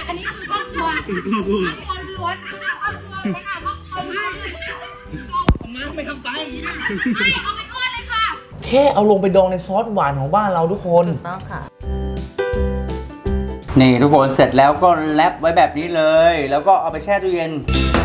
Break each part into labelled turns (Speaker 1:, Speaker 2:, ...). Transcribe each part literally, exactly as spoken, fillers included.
Speaker 1: อันนี้คือครอบครัวครอบครัวล้วนไม่ค่ะครอบครัวล้วนเลยผมมาไม่ทำตายอย่างนี้ไม่เอาไปทอดเลยค่ะ
Speaker 2: แค่เอาลงไปดองในซอสหวานของบ้านเราทุกคน
Speaker 3: ถูกต้องค่ะ
Speaker 2: นี่ทุกคนเสร็จแล้วก็แรปไว้แบบนี้เลยแล้วก็เอาไปแช่ตู้เย็น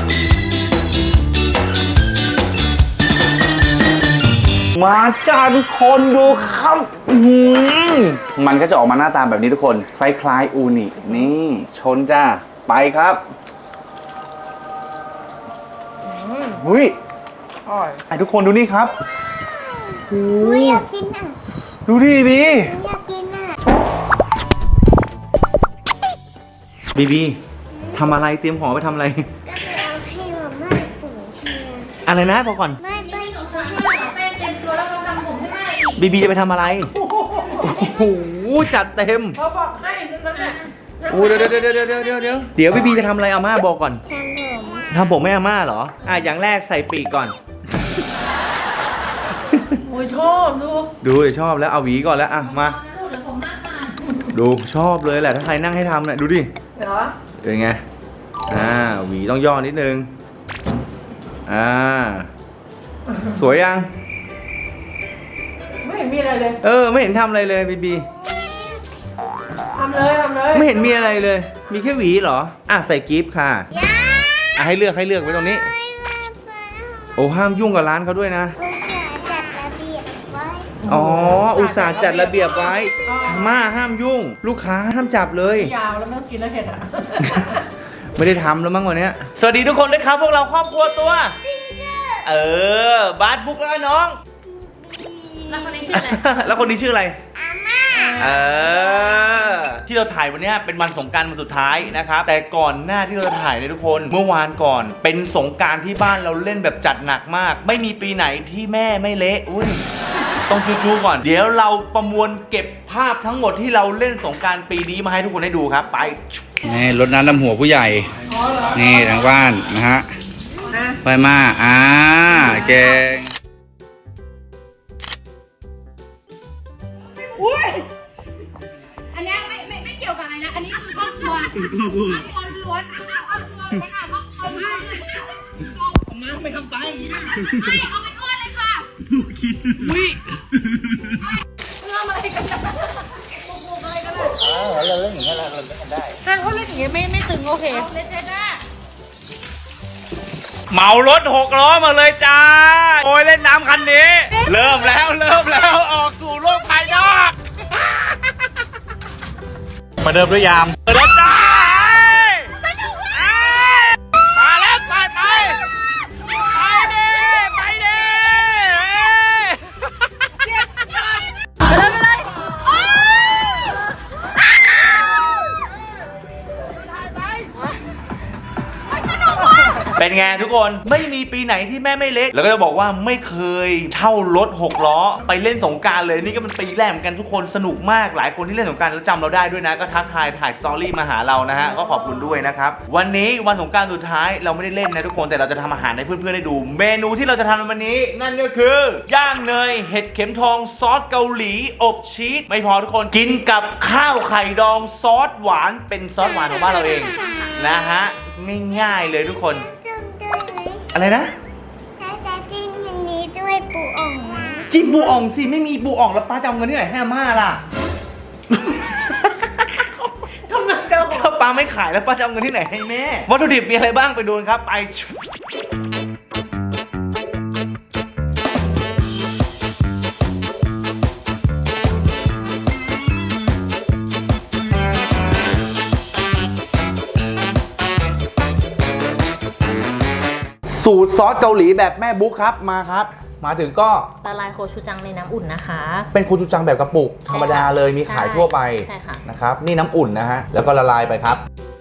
Speaker 2: มาจ้าทุกคนดูครับมันก็จะออกมาหน้าตาแบบนี้ทุกคนคล้ายๆอูนินี่ชนจ้าไปครับหุ้ยไอ้ทุกคนดูนี่ครับ
Speaker 4: อยากกินอ่ะ
Speaker 2: ดูดิบี
Speaker 4: อยากกินอ่ะ
Speaker 2: บีบีทำอะไรเตรียมของไปทำอะไร
Speaker 4: ก็เอาให้มาม่าสูงเชียร์
Speaker 2: อะไรนะพอก่อน
Speaker 4: ไม่ไม่หนูทำให้
Speaker 1: แม่เต็มตัวแล้วเขาทำผมให้แม่อีก
Speaker 2: บีบีจะไปทำอะไรโอ้โหจัดเต็ม
Speaker 1: เขาบอกให้นั่นแหละ
Speaker 2: โอ้เดี๋ยวเดี๋ยวเดี๋ยวเดี๋ยวเดี๋ยวเดี๋ยวเดี๋ยวบีบีจะทำอะไรอาม่าบอกก่อน
Speaker 4: ทำผม
Speaker 2: ทำผมไม่อาม่าเหรออ่ะอย่างแรกใส่ปีกก่อน
Speaker 1: โอ้ยชอบดู
Speaker 2: ดูเดี๋ยวชอบแล้วเอาหวีก่อนแล้วอ่ะมาดูชอบเลยแหละถ้าใครนั่งให้ทำเนี่ยดูดิ
Speaker 1: เหรอ
Speaker 2: เป็นไงอ่าหวีต้องย่อนิดนึงอ่าสวยยัง
Speaker 1: ไม่เห็นมีอะไรเลย
Speaker 2: เออไม่เห็นทำอะไรเลยบีบี
Speaker 1: ทำเลยทำเลย
Speaker 2: ไม่เห็นมีอะไรเลยมีแค่หวีเหรออ่ะใส่กิฟต์ค่ะอ่ะให้เลือกให้เลือกไว้ตรงนี้โอ้ห้ามยุ่งกับร้านเขาด้วยนะอ๋ออุตส่าห์จัดระเบียบไว้ม่าห้ามยุ่งลูกค้าห้ามจับเลย
Speaker 1: ยาวแล้วไม่ต้องกินแล้วเผ็ดอ่ะ
Speaker 2: ไม่ได้ทำแล้วมั้งวันนี้สวัสดีทุกคนด้วยครับพวกเราครอบครัวตัวเออบาสบุ๊กแล้วน้อง
Speaker 1: แล้วคนนี้ชื่ออะไร
Speaker 2: แล้วคนนี้ชื่ออะไรเออที่เราถ่ายวันนี้เป็นวันสงกรานต์วันสุดท้ายนะครับแต่ก่อนหน้าที่เราจะถ่ายเนี่ยทุกคนเมื่อวานก่อนเป็นสงกรานต์ที่บ้านเราเล่นแบบจัดหนักมากไม่มีปีไหนที่แม่ไม่เละอุ้ยต้องจูๆก่อนเดี๋ยวเราประมวลเก็บภาพทั้งหมดที่เราเล่นสงกรานต์ปีนี้มาให้ทุกคนได้ดูครับไปนี่รดน้ำดำหัวผู้ใหญ่นี่ทางบ้านนะฮะไปมาอ่าเก่ง
Speaker 1: อันนี้ไม่ไม่ไม่เกี่ยวกับอะไรนะอันนี้คือครอบครัวครอบครัวล้วนไม่ค่ะครอบครัวล้วนเลยผมมาไม่ทำตายอย่างนี้ไม่เอาไปทอดเลยค่ะ
Speaker 2: อุ้ย
Speaker 1: เรื่องอะไรกันนะอะไรกันนะ
Speaker 2: เราเล่นอย่างนี้เราเล่นกันได้
Speaker 1: ถ้าเขาเล่นอย่างนี้ไม่ไม่ตึงโอเคเล่นได้ได้
Speaker 2: เหมารถหกล้อมาเลยจ้าโอ้ยเล่นน้ำคันนี้เริ่มแล้วเริ่มแล้วออกสู่โลกภายนอกมาเดิมด้วยยามเดินจ้ามาแล้วไปไปไปดิไปดิเป็นไงทุกคนไม่มีปีไหนที่แม่ไม่เล็กแล้วก็จะบอกว่าไม่เคยเช่ารถหกล้อไปเล่นสงกรานต์เลยนี่ก็เป็นปีแรกเหมือนกันทุกคนสนุกมากหลายคนที่เล่นสงกรานต์แล้วจำเราได้ด้วยนะก็ทักทายถ่ายสตอรี่มาหาเรานะฮะก็ขอบคุณด้วยนะครับวันนี้วันสงกรานต์สุดท้ายเราไม่ได้เล่นนะทุกคนแต่เราจะทำอาหารให้เพื่อนๆได้ดูเมนูที่เราจะทำในวันนี้นั่นก็คือย่างเนยเห็ดเข็มทองซอสเกาหลีอบชีสไม่พอทุกคนกินกับข้าวไข่ดองซอสหวานเป็นซอสหวานของบ้านเราเองนะฮะง่ายๆเลยทุกคนอะไรนะ
Speaker 4: ถ้าจะจิ้มอย่างนี้ด้วยปูอ่องนะ
Speaker 2: จิ้มปูอ่องสิไม่มีปูอ่องแล้วป้าจะเอาเงินที่ไหนให้อาม่าล่ะ
Speaker 1: ทำไมเจ้า
Speaker 2: ถ้าป้าไม่ขายแล้วป้าจะเอาเงินที่ไหนให้แม่วัตถุดิบมีอะไรบ้างไปดูกันครับไปสูตรซอสเกาหลีแบบแม่บุ๊กครับมาครับมาถึงก็
Speaker 3: ละลายโคชูจังในน้ำอุ่นนะคะ
Speaker 2: เป็นโคชูจังแบบกระปุกธรรมดาเลยมีขายทั่วไปนะครับนี่น้ำอุ่นนะฮะแล้วก็ละลายไปครับ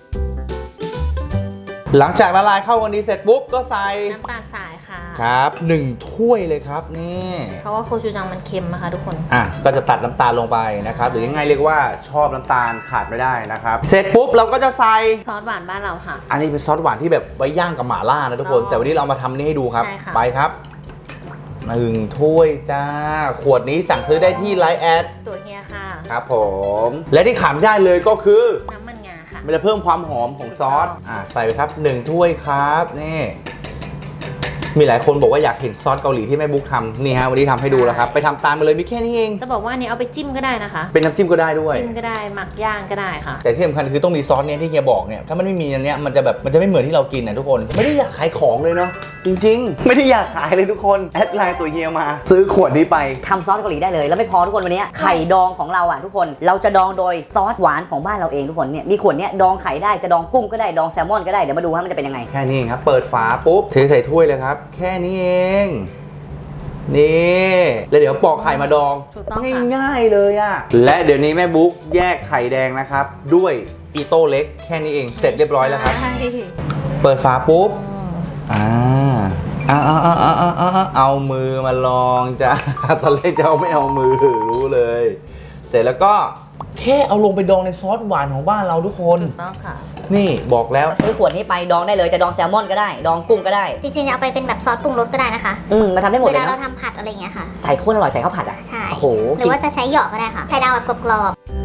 Speaker 2: หลังจากละลายเข้ากันดีเสร็จปุ๊บก็ใส่
Speaker 3: น้ำตาลทรายค่ะ
Speaker 2: ครับหนึ่งถ้วยเลยครับนี่
Speaker 3: เพราะว่าโคชูจังมันเค็มนะคะทุกคน
Speaker 2: อ่ะก็จะตัดน้ำตาลลงไปนะครับหรือยังไงเรียกว่าชอบน้ำตาลขาดไม่ได้นะครับเสร็จปุ๊บเราก็จะใส่
Speaker 3: ซอสหวานบ้านเราค่ะ
Speaker 2: อันนี้เป็นซอสหวานที่แบบไว้ย่างกับหม่าล่านะทุกคนแต่วันนี้เรามาทำนี่ให้ดูครับไปครับหนึ่งถ้วยจ้าขวดนี้สั่งซื้อได้ที่ไลน์แอด
Speaker 3: ตัวเฮียค่ะ
Speaker 2: ครับผมและที่ขาดไม่ได้เลยก็คือ
Speaker 3: น้ำมันงาค่ะ
Speaker 2: มันจะเพิ่มความหอมของซอสอ่าใส่ไปครับหนึ่งถ้วยครับนี่มีหลายคนบอกว่าอยากเห็นซอสเกาหลีที่แม่บุ๊กทำนี่ฮะวันนี้ทำให้ดูแล้วครับไปทำตามมาเลยมีแค่นี้เอง
Speaker 3: จะบอกว่าอันนี้เอาไปจิ้มก็ได้นะคะ
Speaker 2: เป็นน้ำจิ้มก็ได้ด้วย
Speaker 3: จิ้มก็ได้หมักย่างก็ได้ค่ะ
Speaker 2: แต่ที่สำคัญคือต้องมีซอสเนี่ยที่เฮียบอกเนี่ยถ้ามันไม่มีอันเนี้ยมันจะแบบมันจะไม่เหมือนที่เรากินนะทุกคนไม่ได้อยากขายของเลยเนาะจริงๆ ไม่ได้อยากขายเลยทุกคนแอดไลน์ตัวเฮียมา ซื้อขวดนี้ไป
Speaker 5: ทำซอสเกาหลีได้เลยแล้วไม่พอทุกคนวันนี้ไข่ดองของเราอ่ะทุกคนเราจะดองโดยซอสหวานของบ้านเราเองทุกคนเนี่ยมีขวดเนี้ยดองไข่ได้จะดองกุ้งก็ได้ดองแซลมอนก็ได้เดี๋ยวมาดูว่ามันจะเป็นยังไง
Speaker 2: แค่นี้เองครับเปิดฝาปุ๊บเทใส่ถ้วยเลยครับแค่นี้เองนี่แล้วเดี๋ยวปอกไข่มาดอง
Speaker 3: ถูกต้องค่ะ
Speaker 2: ง่ายๆเลยอะและเดี๋ยวนี้แม่บุ๊กแยกไข่แดงนะครับด้วยอีโต้เล็กแค่นี้เองเสร็จเรียบร้อยแล้วครับ
Speaker 3: ใช่
Speaker 2: เปิดฝาปุ๊บอ่าเอาเอาเอาเอาเอาเอาเอามือมาลองจ้ะ ตอนแรกจะเอาไม่เอามือรู้เลย เสร็จแล้วก็แค่เอาลงไปดองในซอสหวานของบ้านเราทุกคน
Speaker 3: ถูกต้องค่ะ
Speaker 2: นี่บอกแล้ว
Speaker 5: ซื้อขวดนี้ไปดองได้เลยจะดองแซลมอนก็ได้ดองกุ้งก็ได้
Speaker 4: จริงๆเอาไปเป็นแบบซอสปรุงรสก็ได้นะคะ
Speaker 5: อืมมาทำได้หมด
Speaker 4: เว
Speaker 5: เลย
Speaker 4: ลาเรา
Speaker 5: นะ
Speaker 4: ทำผัดอะไรอย่างเงี้ยค่ะ
Speaker 5: ใส่โคตรอร่อยใส่ข้าวผัดอ่ะ
Speaker 4: ใช่
Speaker 5: โอ้โห
Speaker 4: หรือว่าจะใช้หยอกก็ได้ค่ะไข่ดาวแบบกรอบ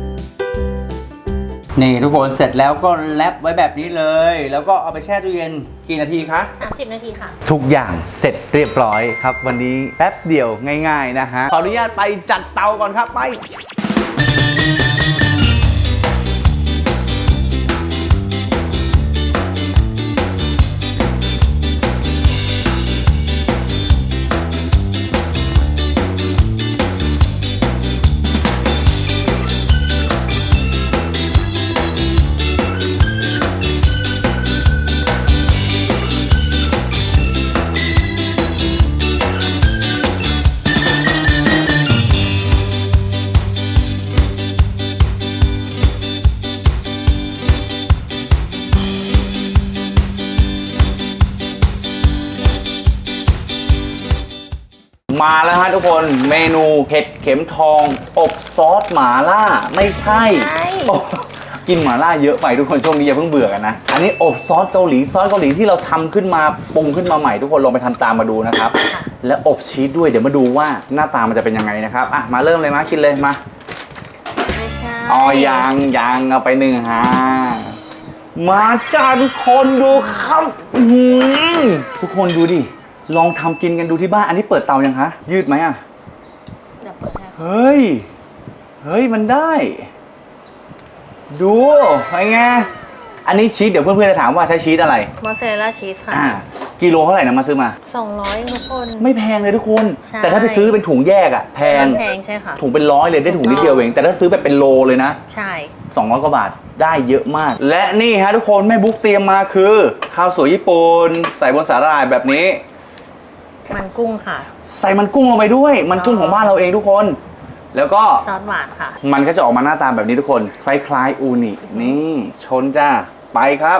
Speaker 2: นี่ทุกคนเสร็จแล้วก็แรปไว้แบบนี้เลย แล้วก็เอาไปแช่ตู้เย็นกี่นาทีคะ
Speaker 3: สามสิบนาทีค่ะ
Speaker 2: ทุกอย่างเสร็จเรียบร้อยครับ วันนี้แป๊บเดียวง่ายๆนะฮะขออนุญาตไปจัดเตาก่อนครับไปมาแล้วฮะทุกคนเมนูเห็ดเข็มทองอบซอสหม่าล่าไม่ใช่
Speaker 3: ใช่
Speaker 2: โอ้กินหม่าล่าเยอะไปทุกคนช่วงนี้อย่าเพิ่งเบื่อกันนะอันนี้อบซอสเกาหลีซอสเกาหลีที่เราทำขึ้นมาปรุงขึ้นมาใหม่ทุกคนลองไปทำตามมาดูนะครับและอบชีสด้วยเดี๋ยวมาดูว่าหน้าตามันจะเป็นยังไงนะครับอ่ะมาเริ่มเลยมากินเลยมา
Speaker 3: ไม่ใช่
Speaker 2: อ๋อยังยังเอาไปหนึ่งฮะมาจ้าทุกคนดูครับอื้อหือทุกคนดูดิลองทำกินกันดูที่บ้านอันนี้เปิดเตายังคะยืดไหมอ่ะ
Speaker 3: เดี๋ยวเปิดให้
Speaker 2: เฮ้ยเฮ้ยมันได้ ดูไงไงอันนี้ชีสเดี๋ยวเพื่อนๆจะถามว่าใช้ชีสอะไร
Speaker 3: มอสซาเรลล่าชีสค่ะ
Speaker 2: อ่ากิโลเท่าไหร่นะมาซื้อมา
Speaker 3: สองร้อยทุกคน
Speaker 2: ไม่แพงเลยทุกคน
Speaker 3: ใช่
Speaker 2: แต่ถ้าไปซื้อเป็นถุงแยกอะแพง
Speaker 3: แพงใช่ค่ะ
Speaker 2: ถุงเป็นร้อยเลยได้ถุงนิดเดียวเองแต่ถ้าซื้อแบบเป็นโลเลยนะ
Speaker 3: ใช่
Speaker 2: สองร้อยกว่าบาทได้เยอะมาก และนี่ฮะทุกคนแม่บุ๊กเตรียมมาคือข้าวสวยญี่ปุ่นใส่บนสาหร่ายแบบนี้
Speaker 3: มันกุ้งค่ะ
Speaker 2: ใส่มันกุ้งลงไปด้วย มันกุ้งของบ้านเราเองทุกคน แล้วก็
Speaker 3: ซอสหวานค่ะ
Speaker 2: มันก็จะออกมาหน้าตาแบบนี้ทุกคน คล้ายๆอูนินี่ชนจ้าไปครับ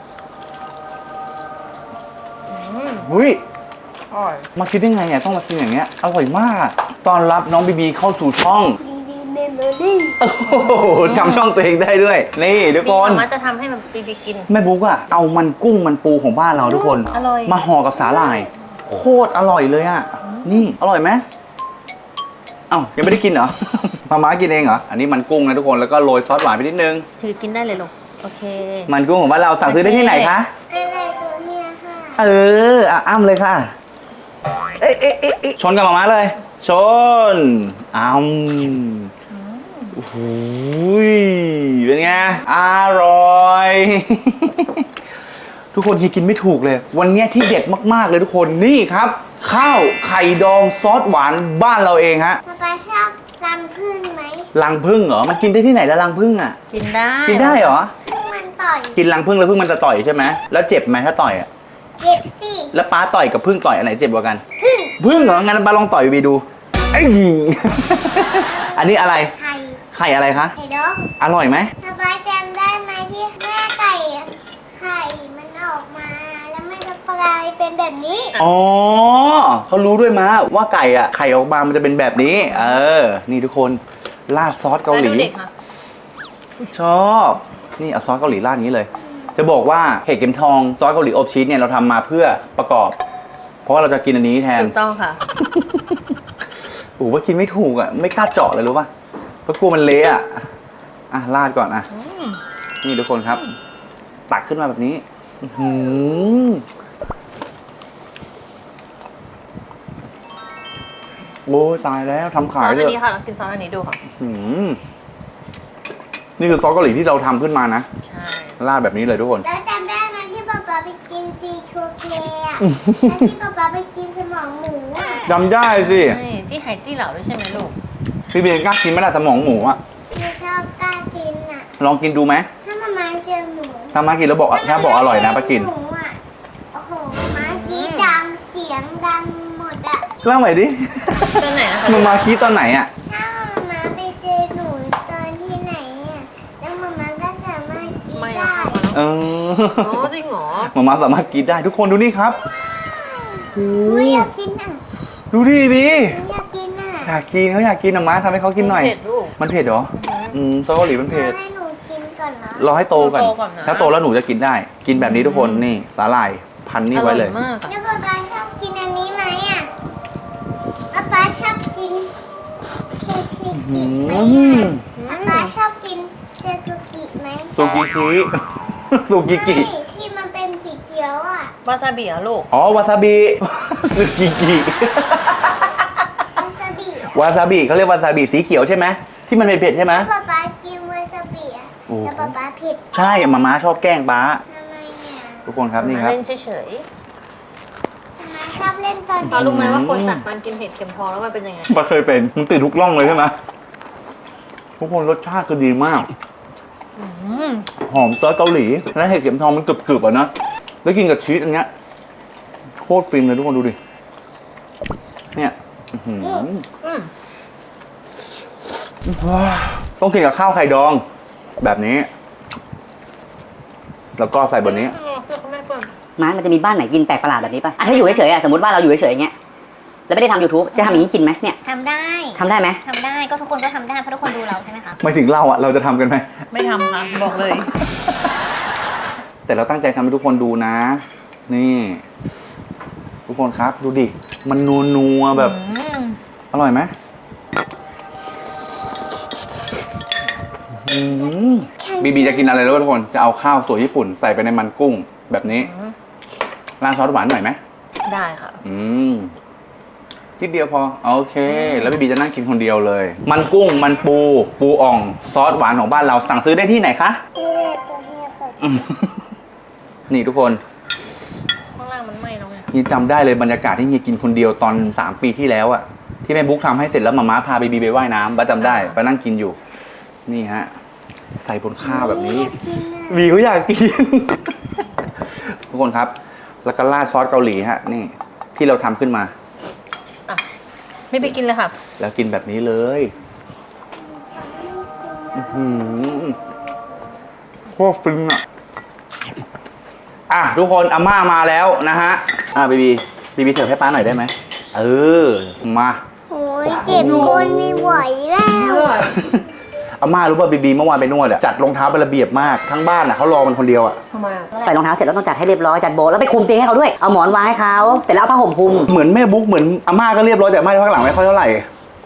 Speaker 2: หุ้ย
Speaker 3: อร่อย
Speaker 2: มาคิดได้ไงอ่ะต้องมากินอย่างเงี้ยอร่อยมากตอนรับน้องบีบีเข้าสู่ช่อง
Speaker 4: ๆดีดีเมมโมรี่
Speaker 2: โอ้โหจำช่องตัวเองได้ด้วย นี่ทุก
Speaker 3: บี
Speaker 2: คน
Speaker 3: มมาจะทำให้แบบบีบีกิน
Speaker 2: แม่บุ๊กอะเอามันกุ้งมันปูของบ้านเราทุกคน
Speaker 3: อร่อย
Speaker 2: มาห่อกับสาหร่าย โคตรอร่อยเลยอะนี่อร่อยไหมเอ้ายังไม่ได้กินเหรอ มาม่ากินเองเหรออันนี้มันกุ้งนะทุกคนแล้วก็โรยซอสหวานไปนิดนึง
Speaker 3: ถือกินได้เลยลูกโอเค
Speaker 2: มันกุ้งของบ้านเราสั่งซื้อได้ที่ไหนคะ
Speaker 4: อะไรตัวเนี้ยค่ะ
Speaker 2: เอออ่ะอ้ำเลยค่ะเอ๊ะเอ๊ะเอ๊ะเอ๊ะชนกับมาม่าเลย ชนอ้ำโอ้โหเป็นไงอร่อย ทุกคนที่กินไม่ถูกเลย วันนี้ที่เด็ดมากๆเลยทุกคนนี่ครับ ข้าวไข่ดองซอสหวานบ้านเราเองฮะ
Speaker 4: ป๊าป๊าชอบรำพึ่งไหม
Speaker 2: รังผึ้งเหรอมันกินได้ที่ไหนแล้วรังผึ้งอ่ะ
Speaker 3: กินได้
Speaker 2: กินได้เหรอ
Speaker 4: พึ่งมันต่อย
Speaker 2: กินรังผึ้งแล้วผึ้งมันจะต่อยใช่ไหมแล้วเจ็บไหมถ้าต่อยอ่ะ
Speaker 4: เจ็บสิ
Speaker 2: แล้วป้าต่อยกับผึ้งต่อยอันไหนเจ็บกว่ากัน
Speaker 4: พึ่ง
Speaker 2: ผึ้งเหรองั้นป้าลองต่อยไปดูไอ้ยิง อันนี้อะไร
Speaker 4: ไข่
Speaker 2: ไข่อะไรคะ
Speaker 4: ไข่ดอง
Speaker 2: อร่อยไหม
Speaker 4: ป๊าป๊าจำได้ไหมที่แม่ไก่อะไข่มันออกมา แล้วมันจะกลายเป็นแบบนี้
Speaker 2: อ๋อเขารู้ด้วยมาว่าไก่อ่ะไข่ออกมามันจะเป็นแบบนี้ เออ นี่ทุกคนราดซอสเกาหลี
Speaker 3: แล้วดูเด็กค่ะ
Speaker 2: ชอบนี่เอาซอสเกาหลีราดนี้เลย จะบอกว่าเห็ดเข็มทองซอสเกาหลีอบชีสเนี่ยเราทำมาเพื่อประกอบ เพราะว่าเราจะกินอันนี้แทน
Speaker 3: ถูกต้องค่ะ
Speaker 2: โอ้ว่ากินไม่ถูกอ่ะไม่กล้าเจาะเลยรู้ป่ะเพราะกลัวมันเละอ่ะอ่ะราดก่อนอ่ะนี่ทุกคนครับ ตักขึ้นมาแบบนี้อื้อหือโอ้ยตายแล้วทำ
Speaker 3: ซ
Speaker 2: ขา
Speaker 3: อย ส
Speaker 2: เล
Speaker 3: อัน
Speaker 2: ย
Speaker 3: นี้ค่ะลองกินซอสอันนี้ดูค่ะ
Speaker 2: อืมนี่คือซอสเกาหลีที่เราทำขึ้นมานะ
Speaker 3: ใช่
Speaker 2: ราดแบบนี้เลยทุกคน
Speaker 4: แล้วจำได้ไหมที่ป๊าป๊าไปกินซีโคเคอะแล้วที่ป๊าป๊าไปกินสมองหมูอะ
Speaker 2: จำได้สิ
Speaker 3: ใช่ที่ไหตี้เหล่าด้วยใช่ไหมลูก
Speaker 2: พี่เบนกล้ากินไหมล่ะสมองหมูอะ
Speaker 4: ไม่ชอบกล้ากินอะ
Speaker 2: ลองกินดูไหม
Speaker 4: ถ้ามามาเจอหมู
Speaker 2: ถ้ามากินแล้วบอกถ้าบอกอร่อยนะป้ากิน
Speaker 4: หมูอะโอ้โหมากี้ดังเสียงดังหมดอะ
Speaker 2: เล่าใหม่ดิ
Speaker 3: ตัวไหนนะคะ
Speaker 2: มันมากี้ตอนไหนอะ
Speaker 4: ถ้ามามาไปเจอหนูตอนที่ไหนอะแล้วมามาก็สามารถกิน
Speaker 3: ไม่
Speaker 4: ได้
Speaker 3: เอาค่ะ
Speaker 2: เออ
Speaker 3: โอ้จริงเหรอ
Speaker 2: มามาสามารถกินได้ทุกคนดูนี่ครับ
Speaker 4: หนูอยากกินอะ
Speaker 2: ดูดิบี
Speaker 4: หนูอยากกินอะ
Speaker 2: อยากกินเขาอยากกินอะมาทำให้เขากินหน่อย
Speaker 3: เผ็ดลูก
Speaker 2: มันเผ็ดเหรอ อืมซอสเกาหลีมันเผ็ด
Speaker 4: ให้หนูกินก่อนเหรอ
Speaker 2: รอให้โตก่อน
Speaker 3: โตก่อนนะ
Speaker 2: ถ้าโตแล้วหนูจะกินได้ กินแบบนี้ทุกคนนี่สาหร่ายพันนี่ไว้เลย
Speaker 3: อร่อมากอะ
Speaker 4: แล้วป๊าป๊าชอบกินอันนี้ไหมอ่ะป๊าป๊าชอบกินเซซุกิไหม
Speaker 2: อืม
Speaker 4: อ่ะป๊าป๊าชอบกินเซซุกิไหม
Speaker 2: ซูกิคิ ซูกิกิ
Speaker 4: ใช่ที่มันเป็นสีเขียวอ่ะ
Speaker 3: วาซาบิเหรอลูก
Speaker 2: อ๋อวาซาบิ ซูกิกิ
Speaker 4: วาซาบิอ่ะ
Speaker 2: วาซาบิเขาเรียกวาซาบิสีเขียวใช่ไหมที่มันเผ็ดๆใช่ไหม
Speaker 4: ป๊าป๊ากินวาซาบิอ่ะ
Speaker 2: โอ้
Speaker 4: แล้วป๊าป๊าเผ็ด
Speaker 2: ใช่มาม่าชอบแกล้งป้า
Speaker 4: ทำไมเนี่ย
Speaker 2: ทุกคนครับนี่ครับ
Speaker 3: เล่นเฉย
Speaker 4: ป๊าชอบเล่นตอน
Speaker 3: ๆ
Speaker 4: เด็
Speaker 3: ป้าก รู้ไหมว่าคนจัดมันกินเผ็ดเค็มพอแล้วมันเป็นยังไง
Speaker 2: ป้าเคยเป็นมันติดทุกร่องเลยใช่ไหมทุกคนรสชาติคือดีมาก
Speaker 3: อืม
Speaker 2: หอมซอสเกาหลีและเห็ดเข็มทองมันกรึบๆอ่ะนะแล้วกินกับชีสอันเนี้ยโคตรฟินเลยทุกคนดูดิเนี่ยอื้อหือ
Speaker 3: อืม
Speaker 2: ต้องกินกับข้าวไข่ดอง แบบนี้ แล้วก็ใส่บนนี้
Speaker 3: เพื่อคุณแม่เปิด
Speaker 5: มามันจะมีบ้านไหนกินแปลกประหลาดแบบนี้ป่ะอ่ะถ้าอยู่เฉยๆอ่ะสมมติว่าเราอยู่เฉยๆอย่างเงี้ยแล้วไม่ได้ทำ YouTube จะทำอย่างนี้กินไหมเนี่ย
Speaker 4: ทำได้
Speaker 5: ทำได้ไหม
Speaker 4: ทำได้ก็ทุกคนก็ทำได้เพราะทุกคนดูเราใช่ไหมคะ
Speaker 2: ไม่ถึงเราอ่ะเราจะทำกันไหม
Speaker 3: ไม่ทำค่ะบอกเลย
Speaker 2: แต่เราตั้งใจทำให้ทุกคนดูนะ นี่ ทุกคนครับดูดิมันนัวๆแบบ
Speaker 3: อืม
Speaker 2: อร่อยไหมอืมบีบีจะกินอะไรแล้วทุกคนจะเอาข้าวสวยญี่ปุ่นใส่ไปในมันกุ้งแบบนี้ราดซอสหวานหน่อยไหม
Speaker 3: ได้ค่ะ
Speaker 2: อืมทีเดียวพอโอเค แล้วบีบีจะนั่งกินคนเดียวเลย มันกุ้งมันปู ปูอ่อง ซอสหวานของบ้านเราสั่งซื้อได้ที่ไหนคะ
Speaker 4: นี่แหละตัวนี้ค่ะ
Speaker 2: อืมนี่ทุกคน
Speaker 3: ข้างล่างมันไหม้แล้วไง
Speaker 2: นี่จำได้เลยบรรยากาศที่เฮียกินคนเดียวตอนสามปีที่แล้วอะที่แม่บุ๊กทำให้เสร็จแล้วมาม่าพาบีบีไปว่ายน้ำบ้าจำได้ไปนั่งกินอยู่ นี่ฮะ ใส่บนข้าวแบบนี้ บีเขาอยากกิน ทุกคนครับ แล้วก็ราดซอสเกาหลีฮะ นี่ ที่เราทำขึ้นมา
Speaker 3: อ่ะไม่ไปกินเลยค่ะ
Speaker 2: แล้วกินแบบนี้เลยอื้อหือโคตรฟินอ่ะ อ่ะ ทุกคนอาม่ามาแล้วนะฮะ อ่ะบีบีบีบีเสิร์ฟให้ป้าหน่อยได้ไหม เออ มา
Speaker 4: โอ้ยเจ็บคนไม่ไหวแล้ว
Speaker 2: อาม่ารู้ป่ะบีบีเมื่อวานไปนวดอะจัดรองเท้าเป็นระเบียบมากทั้งบ้านอะเขารอมันคนเดียวอะ
Speaker 3: ทำไมอ่ะ
Speaker 5: ใส่รองเท้าเสร็จแล้วต้องจัดให้เรียบร้อยจัดโบะแล้วไปคลุมเตียงให้เขาด้วยเอาหมอนวางให้เขาเสร็จแล้วเอาผ้าห่มคลุม
Speaker 2: เหมือนแม่บุ๊กเหมือนอาม่าก็เรียบร้อยแต่อาม่าข้างหลังไม่ค่อยเท่าไหร่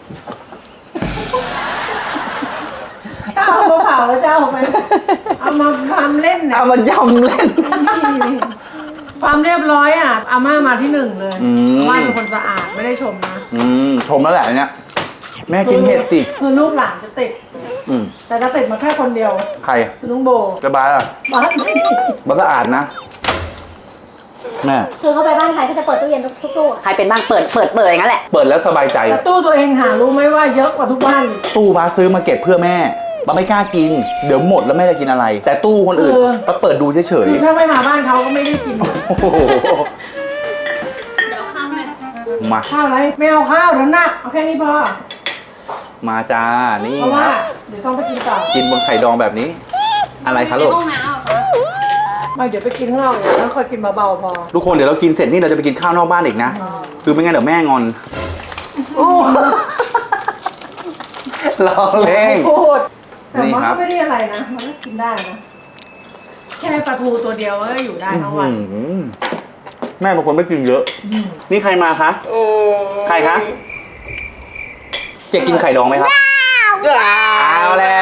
Speaker 6: เอามาเผาแล้วจะเอาไปเอามาทำเล่นเนี่ย
Speaker 2: เอามายำเล่น
Speaker 6: ความเรียบร้อยอ่ะอาม่ามาที่หนึ่งเลย
Speaker 2: อืม
Speaker 6: อาม่าเป็นคนสะอาดไม่ได้ชมนะ
Speaker 2: อืมชมแล้วแหละอันเนี้ยแม่กินเห็ดสิ
Speaker 6: คือลูกหลานจะติด
Speaker 2: อืม
Speaker 6: แต่จะติดมาแค่คนเดียว
Speaker 2: ใคร
Speaker 6: คือลุงโบ
Speaker 2: จะบายอะ
Speaker 6: บ้าน
Speaker 2: บ้าสะอาดนะ แม่
Speaker 4: คือเขาไปบ้านใครก็จะเปิดตู้เย็นทุกตู้
Speaker 5: ใครเป็นบ้างเปิดเปิดเปิดอย่างนั้นแหละ
Speaker 2: เปิดแล้วสบายใจ
Speaker 6: แต่ตู้ตัวเองหารู้ไหมว่าเยอะกว่าทุกบ้าน
Speaker 2: ตู้บ้าซื้อมาเก็บเพื่อแม่บ้าไม่กล้ากิน เดี๋ยวหมดแล้วแม่จะกินอะไร แต่ตู้คนอื่นบ้าเปิดดูเฉย
Speaker 6: คือถ้าไม่มาบ้านเขาก็ไม่ได้กิน
Speaker 2: ๆโอ้โห
Speaker 3: เดี๋ยวข้ามแม่
Speaker 2: มา
Speaker 6: ข้าวอะไรไม่เอาข้าวน้ำหนักเอาแค่นี้พอ
Speaker 2: มาจ้า นี่
Speaker 6: เพราะ
Speaker 2: ค
Speaker 6: ว่า
Speaker 2: รับ
Speaker 6: เดี๋ยวต้องไปกินต่อ
Speaker 2: กินบนไข่ดองแบบนี้ อะไรคะลูก
Speaker 3: ในห้องน้ำเหรอคะ
Speaker 6: ไม่เดี๋ยวไปกินข้างนอกเนี่ยแล้วค่อยกินเบาๆพอ
Speaker 2: ทุกคนเดี๋ยวเรากินเสร็จนี่เราจะไปกินข้าวนอกบ้านอีกนะ คือไม่งั้นเดี๋ยวแม่งอนลองเล่ง
Speaker 6: พูดแต่
Speaker 2: นี่
Speaker 6: มัน
Speaker 2: ครั
Speaker 6: ก็
Speaker 2: บ
Speaker 6: ไม่ได้อะไรนะมันก็กินได้นะแค่ปลาทูตัวเดียวก็อยู่ได้ทั้งวัน
Speaker 2: อื้อหือแม่บางคนไม่กินเยอะ นี่ใครมาคะ ใครคะ เจ๊กินไข่ดองไหมครับเอาแล้ว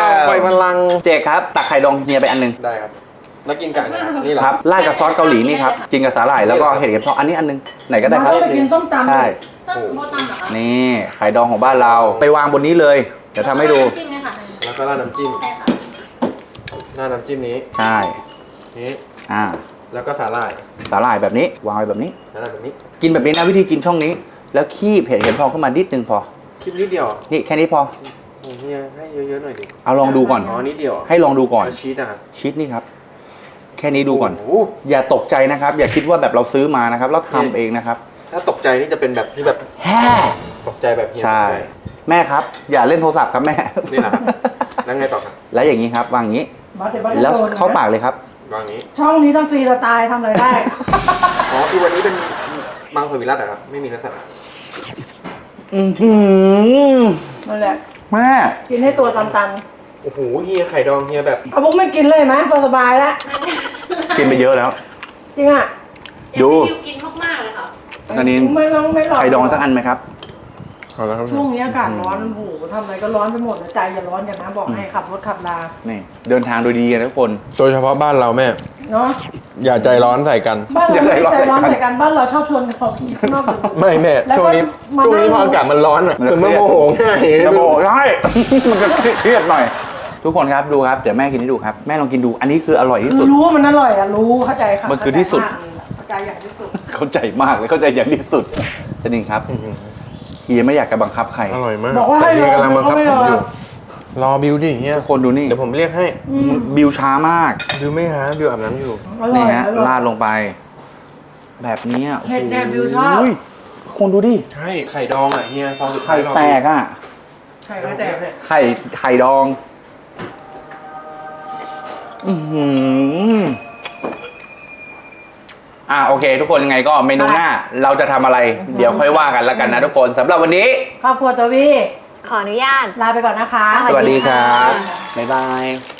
Speaker 7: ปล่อยพลัง
Speaker 2: เจกครับตักไข่ดองเฮียไปอันหนึง
Speaker 7: ได้ครับ แล้วกินกับนี่เหรอ
Speaker 2: ครับราดกับซอสเกาหลีนี่ครับกินกับสาหร่ายแล้วก็เห็ดเข็มทองอันนี้อันหนึงไหนก็ได้ครับ
Speaker 6: มาแล้วไปกินส้มตำ
Speaker 2: ใช่
Speaker 3: ส้มโบตัมเหรอคะ
Speaker 2: นี่ไข่ดองของบ้านเราไปวางบนนี้เลยเดี๋ยวทำให้ดู
Speaker 3: จิ้มเลยค่ะ
Speaker 7: แล้วก็ราดน้ำจิ้ม
Speaker 3: ใช่ค่ะ
Speaker 7: ราดน้ำจิ้มนี้
Speaker 2: ใช่
Speaker 7: นี้
Speaker 2: อ่า
Speaker 7: แล้วก็สาหร่าย
Speaker 2: สาหร่ายแบบนี้วางไว้แบบนี้
Speaker 7: สาหร่ายแบบนี้
Speaker 2: กินแบบนี้นะวิธีกินช่องนี้ แล้วคีบเห็ดเข็มทองขึ้นมานิดนึงพอ
Speaker 7: คลิปนิดเดียว
Speaker 2: นี่แค่นี้พอ
Speaker 7: โอ้เฮียให้เยอะๆหน่อยดิ
Speaker 2: เอาลองดูก่อน
Speaker 7: อ๋อนิดเดียว
Speaker 2: ให้ลองดูก่อน
Speaker 7: แล้วชีสนะครับ
Speaker 2: ชีสนี่ครับแค่นี้ดูก่อน
Speaker 7: โอ้โห
Speaker 2: อย่าตกใจนะครับ อย่าคิดว่าแบบเราซื้อมานะครับเราทำเองนะครับ
Speaker 7: ถ้าตกใจนี่จะเป็นแบบที่แบบ
Speaker 2: แฮ่
Speaker 7: ตกใจแบบเฮีย
Speaker 2: ใช่
Speaker 7: ตกใจ
Speaker 2: แม่ครับ อย่าเล่นโทรศัพท์ครับแม่
Speaker 7: นี่แหละครับ แล้วไงต่อครับ
Speaker 2: แล้วอย่างนี้ครับวางอย่างนี้
Speaker 6: บอสเดี๋ยวบอสจะ
Speaker 2: แล้ว
Speaker 6: โดนนะ
Speaker 2: เข้าปากเลยครับ
Speaker 7: วางอย่างนี้
Speaker 6: ช่องนี้ต้องฟรีสไตล์ทำอะไรได้
Speaker 7: อ๋อคือวันนี้เป็นมังสวิรัตอะครับ ไม่มีเนื้อสัตว์อะ
Speaker 2: อือหือ
Speaker 6: นั่นแหละ
Speaker 2: แม่
Speaker 6: กินให้ตัวตัน
Speaker 7: โอ้โหเฮียไข่ดองเฮียแบบ
Speaker 6: ๆเอาพวกไม่กินเลยไหมพอสบายแล้ว
Speaker 2: กินไปเยอะแล้ว
Speaker 6: จริงอ่ะ
Speaker 2: ดู
Speaker 3: อยากให้บิวกินมากๆเลยค่ะ
Speaker 2: อันนี้
Speaker 6: ไม่ต้องไม่หลอก
Speaker 2: ไข่ดองสักอันไหมครับ
Speaker 7: เอาแล้วครับ
Speaker 6: ช่วงนี้อากาศร้อนโอ้โหทำอะไรก็ร้อนไปหมดนะใจอย่าร้อนอย่างนะบอกให้ขับรถขับลา
Speaker 2: นี่เดินทางโดยดีนะทุกคน
Speaker 7: โดยเฉพาะบ้านเราแม่
Speaker 6: เนาะ
Speaker 7: อย่าใจร้อนใส่กัน
Speaker 6: บ้านเรา
Speaker 2: อย่า
Speaker 6: ไม่
Speaker 2: ใจร้อน
Speaker 6: ใจร้อน
Speaker 2: ใส่กัน
Speaker 6: ใส่กันบ้านเราชอบชวนเขาข้างนอกอยู่
Speaker 7: ไม่แม่
Speaker 6: แล้วก็
Speaker 7: ช่วงนี้
Speaker 6: มา
Speaker 7: ช่วงนี้
Speaker 6: นั่ง
Speaker 7: พออากาศมันร้อนอะ
Speaker 2: มันจะ
Speaker 7: คือมันโมโหง่าย
Speaker 2: จะโบใช่ มันจะเครียดหน่อย ทุกคนครับดูครับเดี๋ยวแม่กินให้ดูครับแม่ลองกินดูอันนี้คืออร่อยที่
Speaker 6: คื
Speaker 2: สุ
Speaker 6: อ
Speaker 2: ด
Speaker 6: รู้ว่ามันอร่อยอะรู้เข้าใจค่ะ
Speaker 2: มันคือที่สุด
Speaker 6: เข้าใจอย่างที่สุด
Speaker 2: เข้าใจมากเลยเข้าใจอย่างที่สุดจริงครับเฮียไม่อยากจะบังคับใคร
Speaker 7: อร่อยมาก
Speaker 6: บอกว่า
Speaker 7: แต่
Speaker 6: ให้
Speaker 7: เฮีย
Speaker 6: รอก
Speaker 7: ำลังบังคับ
Speaker 6: ไม่
Speaker 7: ผ
Speaker 6: ร
Speaker 7: ม
Speaker 6: อ
Speaker 7: อยู่ รอบิวดิเฮีย
Speaker 2: ทุกคนดูนี่
Speaker 7: เดี๋ยวผมเรียกให้
Speaker 2: บิวช้ามาก
Speaker 7: บิวไม่หาบิวอาบน้ำอยู่
Speaker 6: อร่อ
Speaker 2: นี่
Speaker 6: ย
Speaker 2: ฮะ
Speaker 6: อร่อย
Speaker 2: ราดลงไป แบบนี้อ่ะ
Speaker 6: เห็ดแดงบิวชอบ
Speaker 2: โยคนดูดิ
Speaker 7: ใช่ไข่ดองอ่ะเฮียฟองสุดท้า
Speaker 2: ไข่
Speaker 7: ยรอ
Speaker 2: แตกอ่ะ
Speaker 6: ไข่ไม่แตก
Speaker 2: ไข่ไข่ดอง อือหืออ่ะโอเค ทุกคนยังไงก็เมนูหน้า เราจะทำอะไร เดี๋ยวค่อยว่ากันแล้วกันนะทุกคนสำหรับวันนี้
Speaker 6: ครอบครัวตัววี
Speaker 3: ขออนุญาต
Speaker 6: ลาไปก่อนนะคะ
Speaker 2: สวัสดีครับ บ๊ายบาย